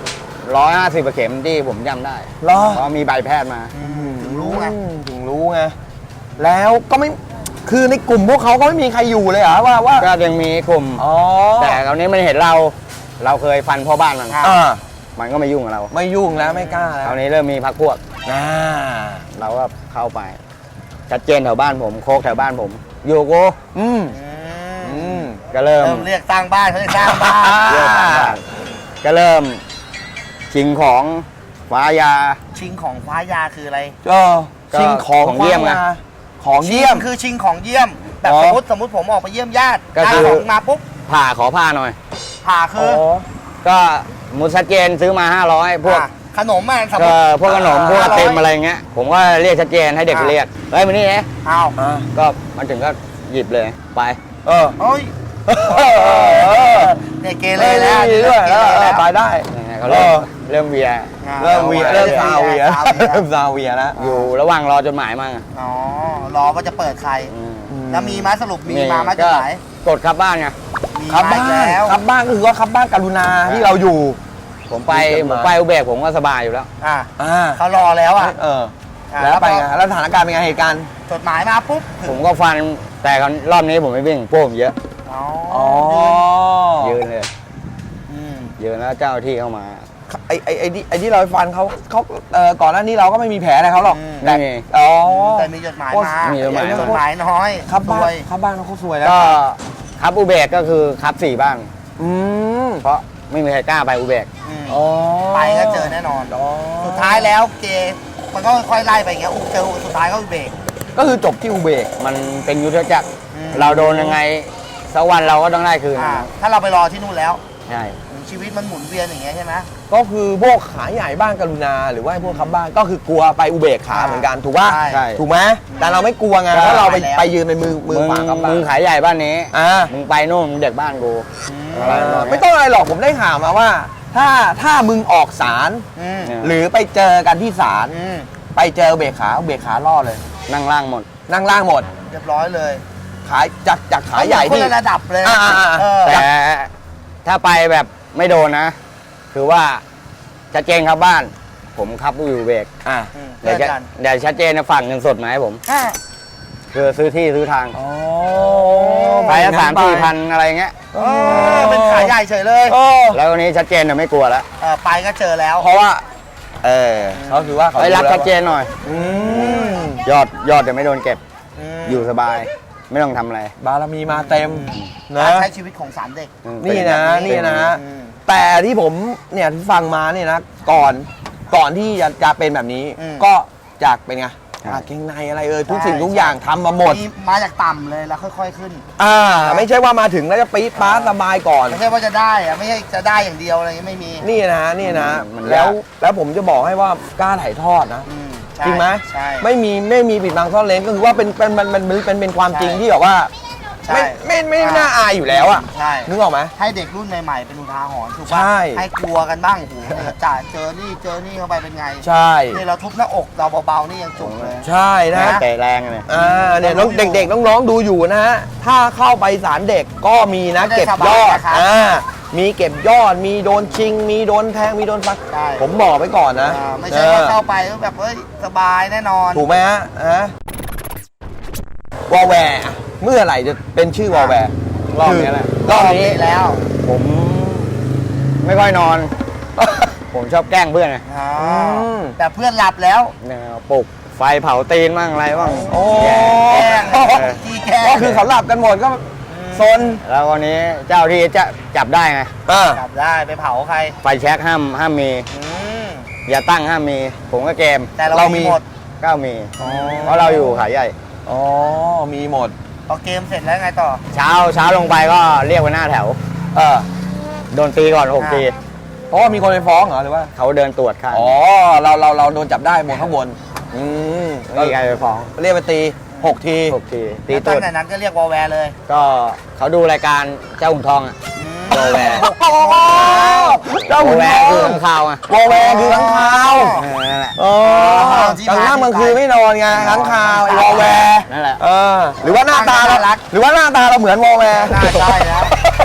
Speaker 1: 150กว่าเข็มที่ผมจำได้
Speaker 3: เหรอ
Speaker 1: เพราะมีใบแพทย์มา
Speaker 2: ถึงรู้ไง
Speaker 3: ถึงรู้ไงแล้วก็ไม่คือในกลุ่มพวกเขาก็ไม่มีใครอยู่เลยเหรอว่า
Speaker 1: ก็ยังมีกลุ่ม
Speaker 3: อ๋อ
Speaker 1: แต่คราวนี้มันเห็นเราเคยฟันพ่อบ้านมัน
Speaker 3: อ่า
Speaker 1: มันก็ไม่ยุ่งกับเรา
Speaker 3: ไม่ยุ่งแล้วไม่กล้าแล้
Speaker 1: คราว วนี้เริ่มมีพักพวก
Speaker 3: อ่า
Speaker 1: เราก็เข้าไป ชัดเจนแถวบ้านผมโคกแถวบ้านผม อยู่กู
Speaker 3: อืมอืม
Speaker 1: ก็เริ่ม
Speaker 2: เรียกสร้างบ้านเขาเรียกสร้างบ้าน
Speaker 1: เริ่มทำบ้านก็เริ่มชิงของฟ้ายา
Speaker 2: ชิงของฟ้ายาคืออะไร
Speaker 3: ก็ชิงของ
Speaker 1: ของเยี่ยมไง
Speaker 3: ของเยี่ยม
Speaker 2: คือชิงของเยี่ยมแบบ
Speaker 3: อ๋อ
Speaker 2: สมมติผมออกไปเยี่ยมญาติ
Speaker 1: ก็
Speaker 2: ได้
Speaker 1: คือ
Speaker 2: ของมาปุ๊บ
Speaker 1: ผ่าขอผ้าหน่อย
Speaker 2: ผ่าคือ
Speaker 1: ก็มุดชัดเจนซื้อมา 500 พวก
Speaker 2: ขนมอ่ะสมม
Speaker 1: ก็
Speaker 2: ติ
Speaker 1: พวกขนมพวกไอติม
Speaker 2: 500
Speaker 1: อะไรเงี้ย ผมก็เรียกชัดเจนให้เด็กไปเรียก เฮ้ยมานี่เอ๊ะ
Speaker 2: อ้าว
Speaker 1: ก็มาถึงก็หยิบเลยไป
Speaker 3: เออ
Speaker 2: เฮ้ย เนี่ยเกเรแล้ว
Speaker 3: นี่ด้วย
Speaker 2: เกเรแล้ว
Speaker 3: ไปได้
Speaker 1: ยังไงเขาเริ่มเวีย
Speaker 3: เริ่มเวีย
Speaker 2: เริ่
Speaker 3: เริ่
Speaker 2: ม
Speaker 3: มซาเวีย
Speaker 2: ซาเวีย
Speaker 3: เริ่มซาเวียแล้ว
Speaker 1: อยู่ระหว่างรอจดหมายมา
Speaker 2: อ๋อ รอว่าจะเปิดใคร
Speaker 1: อืม
Speaker 2: แล้วมีมาสรุปมีมามาจากไหน
Speaker 1: กดครับบ้านไง
Speaker 2: มี
Speaker 3: ครับ
Speaker 2: มา
Speaker 3: บ้า
Speaker 2: อีก
Speaker 3: น
Speaker 2: แล้ว
Speaker 3: ครับบ้านก็คือว่าครับบ้านกรุณาที่เราอยู่
Speaker 1: ผมไป
Speaker 3: มีจดหมาย
Speaker 1: อุเบกผมก็สบายอยู่แล้ว
Speaker 2: อ่ะ
Speaker 3: อ่า
Speaker 2: เขารอแล้วอ่ะ
Speaker 3: เออ
Speaker 2: อ่ะ
Speaker 3: แล้วไปไง
Speaker 2: พอ
Speaker 3: แล้วสถานการณ์เป็นไงเหตุการณ์
Speaker 2: จดหมายมาปุ๊บ
Speaker 1: ผมก็ฟันแต่รอบนี้ผมไม่วิ่งพวกผมเยอะ
Speaker 2: อ๋อ
Speaker 3: อ๋อ
Speaker 1: ยืนเลย
Speaker 2: อืม
Speaker 1: ยืนแล้วเจ้าหน้าที่เข้ามา
Speaker 3: ไอ้ที่เราฟันเขาก่อนหน้านี้เราก็ไม่มีแผลอะไรเขาหรอก
Speaker 1: ไม่มี
Speaker 3: อ๋อ
Speaker 2: แต่มีจดหมายมา
Speaker 1: มีจดหมายมา
Speaker 2: จดหมายน้อย
Speaker 3: ครับบ้า
Speaker 2: ซวน ย
Speaker 3: ครับบ้านเขาสวยแล้ว
Speaker 1: ก็ครับอุเบกก็คือครับ4 บ้าน
Speaker 3: อืม
Speaker 1: เพราะไม่มีใครกล้าไปอุเบก
Speaker 2: อืม
Speaker 3: อ๋อ
Speaker 2: ไปก็เจอแน่นอน
Speaker 3: อ๋อ
Speaker 2: สุดท้ายแล้วเกมันก็ค่อยไล่ไปอย่างเงี้ยเจอสุดท้ายก็เบรก
Speaker 3: ก็คือจบที่อุเบก
Speaker 1: มันเป็นยุทธจักร
Speaker 2: อืม
Speaker 1: เราโดนยังไงสักวันเราก็ต้องได้คืน
Speaker 2: ถ้าเราไปรอที่นู่นแล้ว
Speaker 1: ใช่
Speaker 2: ชีวิตมันหมุนเวียนอย่างเงี้ยใช่ไหม
Speaker 3: ก็คือพวกขาใหญ่บ้านกรุณาหรือว่าพวกคับบ้านก็คือกลัวไปอุเบกขาเหมือนกันถูกป่ะ
Speaker 1: ใช่
Speaker 3: ถูกไหมแต่เราไม่กลัวไงเพราะเราไปยืนเป็นมือขวาคับบ้า
Speaker 1: มึ
Speaker 3: น
Speaker 1: งขายใหญ่บ้านนี้
Speaker 3: อ่า
Speaker 1: มึงไปนู่นมึงเด็กบ้านกูอะไรแบบนี้
Speaker 3: ไม่ต้องอะไรหรอกผมได้ข่าวมาว่า ถ้ามึงออกศาล
Speaker 1: เนี่ย
Speaker 3: หรือไปเจอกันที่ศาลไปเจอเบรกขาล่อเลย
Speaker 1: นั่งล่างหมด
Speaker 3: นั่งล่างหมด
Speaker 2: เรียบร้อยเลย
Speaker 3: ขายจากขาใหญ่
Speaker 2: คน
Speaker 3: ที่
Speaker 2: ละระดับเลย
Speaker 3: อ่า
Speaker 2: เออ
Speaker 1: แต่ถ้าไปแบบไม่โดนนะ คือว่าชัดเจนครับบ้าน ผมขับอยู่เบรก
Speaker 3: อ่า
Speaker 1: เดี๋ยวจะเดี๋ยวชัดเจนนะฝั่งเงินสดมาให้ผม
Speaker 2: อ่ะ
Speaker 1: คือซื้อที่ซื้อทาง
Speaker 3: อ๋อ
Speaker 1: ไปละ3-4 พันอะไรเงี้ย
Speaker 2: เออเป็นขายใหญ่เฉยเลย
Speaker 1: แล้ววันนี้ชัดเจนนะไม่กลัวแล้ว
Speaker 2: ไปก็เจอแล้ว
Speaker 3: เพราะว่าเขาคือว่าเขา
Speaker 1: ไปรับชัดเจนหน่อย
Speaker 3: อืม
Speaker 1: ยอดเดี๋ยวไม่โดนเก็บ อยู่สบาย ไม่ต้องทำอะไร
Speaker 3: บารมีมาเต็มนะ
Speaker 2: การใช้ชีวิตของสารเด็ก
Speaker 3: นี่นะ
Speaker 1: เป็
Speaker 3: นี่นะ
Speaker 2: อืม
Speaker 3: แต่ที่ผมเนี่ยที่ฟังมาเนี่ยนะก่อนที่จะเป็นแบบนี้
Speaker 2: อืม
Speaker 3: ก็จากเป็นไงเกงในอะไรทุกสิ่งทุกอย่างทำมาหมด
Speaker 2: มีมาจากต่ำเลยแล้วค่อยๆขึ้น
Speaker 3: ไม่ใช่ว่ามาถึงแล้วจะปี๊ดป๊าดสบายก่อน
Speaker 2: ไม่ใช่ว่าจะได้อะไม่ใช่จะได้อย่างเดียวอะไรเงี้ยไม่มี
Speaker 3: นี่นะ
Speaker 1: มัน
Speaker 3: แล้
Speaker 1: ยาว ก
Speaker 3: แล้วผมจะบอกให้ว่ากล้าถ่ายทอดนะ
Speaker 2: อืมใช่
Speaker 3: จริงไหม
Speaker 2: ใช่
Speaker 3: ไม่มีปิดบังซ่อนเร้นก็คือว่าเป็นความจริงที่แบบว่า
Speaker 2: ใช่
Speaker 3: ไม่น่าอายอยู่แล้วอ่ะ
Speaker 2: ใช่
Speaker 3: นึกออกไหม
Speaker 2: ให้เด็กรุ่นใหม่ๆเป็นอุทาหรณ์ถูก
Speaker 3: ใช่
Speaker 2: ป่ะให้กลัวกันบ้างโอ้โหเนี่ยจ่าเจอนี่เข้าไปเป็นไง
Speaker 3: ใช่
Speaker 2: นี่เราทุบหน้าอกเราเบาๆนี่ยังจุกเลย
Speaker 3: ใช่นะ
Speaker 1: เตะแรงเลย
Speaker 3: เนี่ยน้องเด็กๆน้องๆดูอยู่นะฮะถ้าเข้าไปศาลเด็กก็มีนะ
Speaker 2: ไม่ได้
Speaker 3: เก็บ
Speaker 2: สบาย
Speaker 3: ยอด
Speaker 2: นะครับ
Speaker 3: มีเก็บยอดมีโดนชิง มีโดนแทงมีโดนฟัน
Speaker 2: ใช่
Speaker 3: ผมบอกไว้ก่อนนะ
Speaker 2: ไม่ใช่ว่าเข้าไปแล้วแบบเอ้ยสบายแน่นอน
Speaker 3: ถูกไหมฮะวอลแวร์เมื่อไหร่จะเป็นชื่อวอลแวร์
Speaker 1: รอบนี้แหละ
Speaker 3: รอบนี้
Speaker 2: แล้ว
Speaker 1: ผมไม่ค่อยนอน ผมชอบแกล้งเพื่อนไง
Speaker 2: อ๋อแต่เพื่อนหลับแล้ว
Speaker 1: เนี่ยปลุกไฟเผาตีนบ้างอะไรบ้าง
Speaker 3: โอ้
Speaker 1: แย่
Speaker 2: แกล้ง
Speaker 1: เออ
Speaker 2: ที่แกล้ง
Speaker 3: ก็คือเขาหลับกันหมดก็ซน
Speaker 1: แล้ววันนี้เจ้าที่จะจับได้ไง
Speaker 2: หลับได้ไปเผาใคร
Speaker 1: ไฟแช็กห้ามมี
Speaker 2: อืม
Speaker 1: อย่าตั้งห้ามมี ผมก็เกม
Speaker 2: แต่เรามีหมด
Speaker 1: ก็มี เพราะเราอยู่ขายใหญ่
Speaker 3: อ๋อมีหมด
Speaker 2: พอเกมเสร็จแล้วไงต่อ
Speaker 1: เช้าลงไปก็เรียกไปหน้าแถว โดนตีก่อน6 ที
Speaker 3: เพราะว่ามีคนไปฟ้องเหรอหรือว่า
Speaker 1: เขาเดินตรวจข้าง
Speaker 3: อ๋อเราโดนจับได้บนข้างบนม
Speaker 1: ไม่มีใครไปฟ้อง
Speaker 3: เรียกไปตี6 ที
Speaker 1: 6 ทีตี
Speaker 2: แล้ว
Speaker 1: ตร
Speaker 2: ตั้
Speaker 1: ว
Speaker 2: ง
Speaker 1: จ
Speaker 2: แต่นั้นก็เรียกวอลแวร์เลย
Speaker 1: ก็เขาดูรายการเจ้าหุ่นทองอะ วอลแวร์
Speaker 3: เจ้าหุ่น
Speaker 1: แว
Speaker 3: ท
Speaker 1: ร์
Speaker 3: อง
Speaker 1: คือข้างข่าวอะ
Speaker 3: วอลแวร์คือข้างคาว
Speaker 1: นั่นแหละ
Speaker 3: กลางค่ำกลางคืนไม่นอนไงข้างคาวไอ้วอลแวร์
Speaker 1: นั่นแหละ
Speaker 3: หรือว่าหน้าตาเราหรือว่าหน้าตาเราเหมือนวอลแวร์
Speaker 2: น่าใช่แล้ว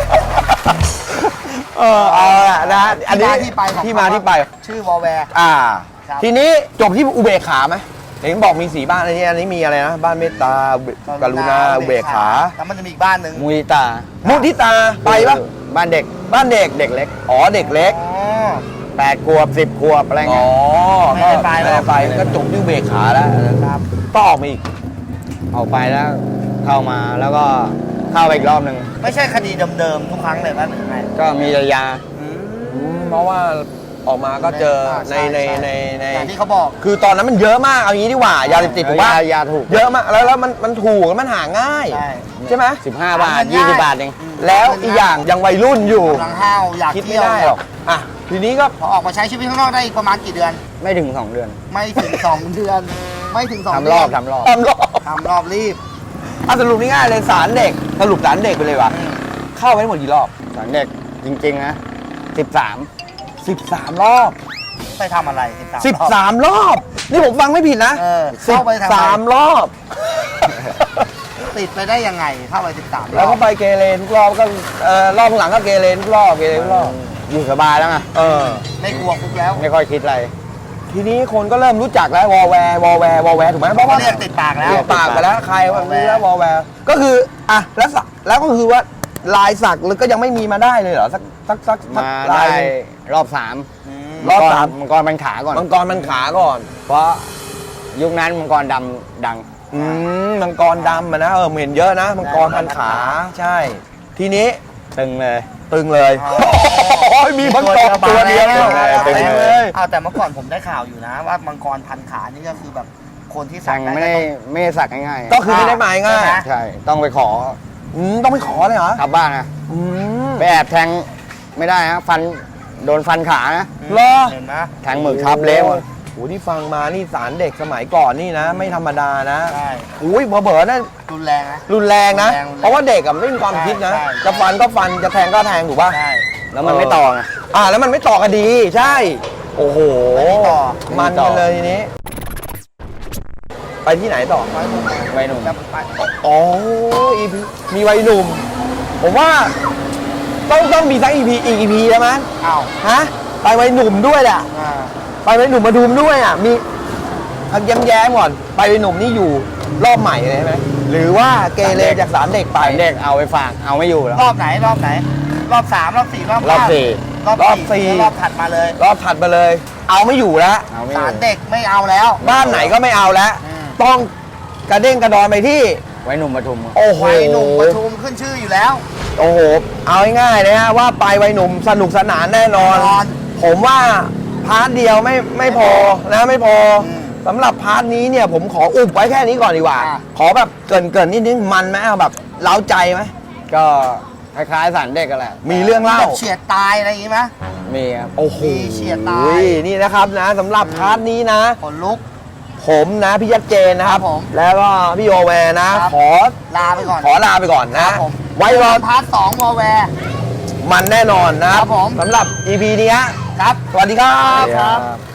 Speaker 3: เอาละนะอันนี้
Speaker 2: ที่มาที่ไปของ
Speaker 3: ที่มาที่ไป
Speaker 2: ชื่อวอลแวร์ ครับ
Speaker 3: ทีนี้จบที่อุเบกขาไหมเห็นบอกมี4บ้านอันนี้มีอะไรนะบ้านเมตตากรุณาอุเบกขา
Speaker 2: แล้วมันจะมีอีกบ้านหนึ่ง
Speaker 1: มุยตา
Speaker 3: มุทิตาไปปะ
Speaker 1: บ้านเด็ก
Speaker 3: บ้านเด็ก
Speaker 1: เด็กเล็ก
Speaker 3: อ๋อเด็กเล็ก
Speaker 2: อ๋อ
Speaker 1: 8 ขวบ 10 ขวบอะไร
Speaker 3: อ๋
Speaker 1: เงี้
Speaker 3: อย
Speaker 2: ไม่ได้ไปหรอก
Speaker 3: ม่ด้ไปก็จบที่อุเบกขาแล้วนะครับต้องออกมาอีก
Speaker 1: ออกไปแล้วเข้ามาแล้วก็เข้าไปอีกรอบหนึ่ง
Speaker 2: ไม่ใช่คดีเดิมๆทุกครั้งเลยป่ะหรือไง
Speaker 1: ก็มียา
Speaker 3: เพราะว่าออกมาก็เจอใน
Speaker 2: อย่างที่เขาบอก
Speaker 3: คือตอนนั้นมันเยอะมากเอางี้ดีกว่ายาเสพติดผมว่าย
Speaker 1: าถูก
Speaker 3: เยอะมากแล้วมันถูกแล้วมันหาง่าย
Speaker 2: ใช่
Speaker 3: ใช่ไหม
Speaker 1: 15 บาท 20 บาทเอง
Speaker 3: แล้วอีกอย่างยังวัยรุ่นอยู่
Speaker 2: กำลังห้าวอยาก
Speaker 3: คิดไม่
Speaker 2: เที่ยว
Speaker 3: ได้หรอกอ่ะทีนี้ก็
Speaker 2: พอออกมาใช้ชีวิตข้างนอกได้อีกประมาณกี่เดือน
Speaker 1: ไม่ถึง 2 เดือน
Speaker 2: ไม่ถึง 2 เดือน ไม่ถึง2
Speaker 1: ทำ
Speaker 2: เดื
Speaker 1: ร
Speaker 2: น
Speaker 1: อบทำรอบ
Speaker 3: ทำรอบ
Speaker 2: ทำรอบรีบ
Speaker 3: สรุปง่ายๆเลยสารเด็กสรุปสารเด็กไปเลยว่ะเข้าไปทั้งหมดกี่รอบ
Speaker 1: สอนเด็กจริง ๆ นะ
Speaker 3: 13 รอบ
Speaker 2: ไปทำอะไร13
Speaker 3: 13 รอบ นี่ผมฟังไม่ผิดนะ
Speaker 2: เข้าไปทำอะไร
Speaker 3: 13 รอบ
Speaker 2: ติดไปได้ยังไงเข้าไป13
Speaker 3: แล้วก็ไปเกเรทุกรอบก็รอบหลังก็เกเรทุกรอบเกเรทุกรอบ
Speaker 1: อยู่สบายแล้วไง
Speaker 2: ไม่กลัวคุกแล้ว
Speaker 1: ไม่ค่อยคิดอะไร
Speaker 3: ทีนี้คนก็เริ่มรู้จักแล้ววอลแวร์ถูกไหมเพราะว่า
Speaker 2: เรียกติดปากแล้ว
Speaker 3: เรียกปากไปแล้วใครว่ารู้แล้ววอลแวร์ก็คืออ่ะแล้วก็คือว่าลายสักหรือก็ยังไม่มีมาได้เลยเหรอสัก
Speaker 1: มา
Speaker 3: ลา
Speaker 1: ได้
Speaker 3: ย
Speaker 1: รอบ 3
Speaker 3: รอบสาม
Speaker 1: มังกรมันขาก่อน
Speaker 3: มังกรมันขาก่อน
Speaker 1: เพราะยุคนั้นมังกรดำดัง
Speaker 3: มังกรดำอะนะเห็นเยอะนะมังกรพันขาใช่ ทีนี้
Speaker 1: ตึงเลย
Speaker 3: ตึงเลย
Speaker 2: อ๋อ
Speaker 3: มีมังกรตัวเดียว
Speaker 1: ตึงเลย
Speaker 2: เอาแต่เมื่อก่อนผมได้ข่าวอยู่นะ ว่ามังกรพันขานี่ก็คือแบบคนที่สั
Speaker 1: สั่
Speaker 2: ก
Speaker 1: ง
Speaker 2: ได้
Speaker 1: ไม่ได้สักง่ายๆ
Speaker 3: ก็คือไม่ได้หมายง่าย
Speaker 2: ใช่ไหม
Speaker 1: ใช่ ต้องไปขอ
Speaker 3: ต้องไปขอเลยเหรอ
Speaker 1: กลับบ้านนะ
Speaker 3: อืม
Speaker 1: ไปแอบแทงไม่ได้ฮะฟันโดนฟันขานะ
Speaker 3: เหรอ
Speaker 2: เห็นไหม
Speaker 1: แทงหมึกทับเละหมด
Speaker 3: โอ้โหที่ฟังมานี่สารเด็กสมัยก่อนนี่นะ ไม่ธรรมดานะ
Speaker 2: ใช่
Speaker 3: อุ้ยเบอๆนั่น
Speaker 2: รุนแรงนะ
Speaker 3: รุนแรงนะ
Speaker 2: รุนแรง
Speaker 3: เพราะว่าเด็กอะไม่มีความคิดนะ
Speaker 2: ใช่
Speaker 3: จะฟันก็ฟันจะแทงก็แทงถูกป่ะ
Speaker 2: ใช่
Speaker 1: แล้วมันไม่ต่อไง
Speaker 3: แล้วมันไม่ต่อกันดีใช่ โอ้โห
Speaker 2: ไม่ต่อ
Speaker 3: มันกันเลยทีนี้ ไปที่ไหนต่อ
Speaker 2: ไว้ตรงไหน
Speaker 1: ไว้หนุ่ม
Speaker 2: จะไป
Speaker 3: อ๋อ EP มีวัยหนุ่ม ผมว่าต้องมีสัก EP อีก EP แล้วมั้ย
Speaker 2: อ้าว
Speaker 3: ฮะ ไปวัยหนุ่มด้วยแหละ
Speaker 2: อ่า
Speaker 3: ไปวัยหนุ่มมาดูมด้วยอ่ะ มีพักแย้มๆก่อน ไปวัยหนุ่มนี่อยู่รอบใหม่เลยใช่ไหม หรือว่าเกเรจากสารเด็กไป
Speaker 1: เด็กเอาไปฝากเอาไม่อยู่แล้ว
Speaker 2: รอบไหนรอบไหน รอบ3รอบ4รอบ
Speaker 1: รอบ
Speaker 2: 5
Speaker 1: สี่
Speaker 2: รอบ
Speaker 3: รอบสี่
Speaker 2: แล้วรอบถัดมาเลย
Speaker 3: รอบถัดมาเลย เอาไม่อยู่แล้ว
Speaker 1: เอาไม่อ
Speaker 2: สาร
Speaker 1: ยู่
Speaker 2: เด็กไม่เอาแล้ว
Speaker 3: บ้านไหนก็ไม่เอาแล้ว
Speaker 2: อืม
Speaker 3: ต้องกระเด้งกระดอนไปที่
Speaker 1: ไว้หนุ่มปทุม
Speaker 3: โอ้โห
Speaker 2: วัยหนุ่มปทุมขึ้นชื่ออยู่แล้ว
Speaker 3: โอ้โห เอาง่ายๆเลยฮะว่าไปวัยหนุ่มสนุกสนานแน่นอน
Speaker 2: แน่นอน
Speaker 3: ผมว่าพาร์ทเดียวไม่พอนะไม่พออ
Speaker 2: ม
Speaker 3: สำหรับพาร์ทนี้เนี่ยผมขออุบไว้แค่นี้ก่อนดีกว่า
Speaker 2: อ่ะ
Speaker 3: ขอแบบเกรินนิดนึงมันไหมเอาแบบเล้าใจไหม
Speaker 1: ก็คล้ายๆสารเด็กกันแหละ
Speaker 3: มีเรื่องเล่า
Speaker 2: แบบเฉียดตายอะไรอย่างงี้ไหม
Speaker 1: มีครับ
Speaker 3: โอ้โห
Speaker 2: มีเฉียดตาย
Speaker 3: นี่นะครับนะสำหรับพาร์ทนี้นะ
Speaker 2: ขนลุก
Speaker 3: ผมนะพี่ยัดเจนนะครับ
Speaker 2: ครับผม
Speaker 3: แล้วก็พี่โอแวร์นะ
Speaker 2: ครับ
Speaker 3: ขอ
Speaker 2: ลาไปก่อน
Speaker 3: ลาไปก่อน
Speaker 2: ค
Speaker 3: นะ
Speaker 2: รับผม
Speaker 3: ไว้รอ
Speaker 2: พาร์ท2วอลแวร์
Speaker 3: มันแน่นอนนะครับ
Speaker 2: ผม
Speaker 3: สำหรับ EP นี้ฮะ
Speaker 2: ครับ
Speaker 3: สวัสดีครับ
Speaker 1: ครับ